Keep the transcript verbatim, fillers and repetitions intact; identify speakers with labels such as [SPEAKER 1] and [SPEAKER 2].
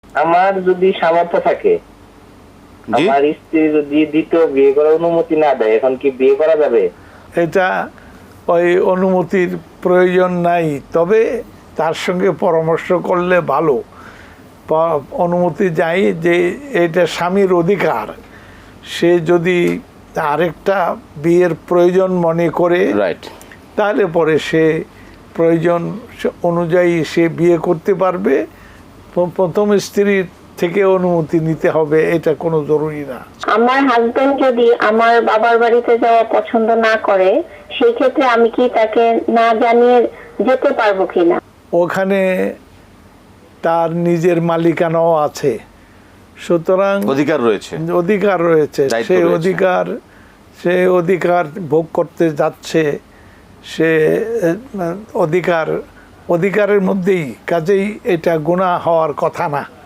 [SPEAKER 1] আমার যদি সামর্থ্য থাকে,
[SPEAKER 2] জি
[SPEAKER 1] আমার স্ত্রী যদি দ্বিতীয় বিয়ে করার অনুমতি না দেয়, এখন কি বিয়ে করা যাবে?
[SPEAKER 3] এটা ওই অনুমতির প্রয়োজন নাই, তবে তার সঙ্গে পরামর্শ করলে ভালো। প- অনুমতি চাই যে এটা স্বামীর অধিকার। সে যদি আরেকটা বিয়ের প্রয়োজন মনে করে
[SPEAKER 2] রাইট।
[SPEAKER 3] তাহলে পরে সে প্রয়োজন অনুযায়ী সে বিয়ে করতে পারবে। প- প্রথম স্ত্রীর থেকে অনুমতি নিতে হবে, এটা কোনো জরুরি না।
[SPEAKER 4] আমার হাজবেন্ড যদি আমার বাবার বাড়িতে যাওয়া পছন্দ না করে, সেই ক্ষেত্রে আমি কি তাকে না জানিয়ে যেতে পারবো কিনা?
[SPEAKER 3] ওখানে তার নিজের মালিকানাও আছে, সুতরাং
[SPEAKER 2] অধিকার রয়েছে।
[SPEAKER 3] অধিকার রয়েছে।
[SPEAKER 2] দায়িত্ব
[SPEAKER 3] সে
[SPEAKER 2] রয়েছে।
[SPEAKER 3] অধিকার সে অধিকার ভোগ করতে যাচ্ছে, সে আহ, অধিকার অধিকারের মধ্যেই, কাজেই এটা গুনাহ হওয়ার কথা না।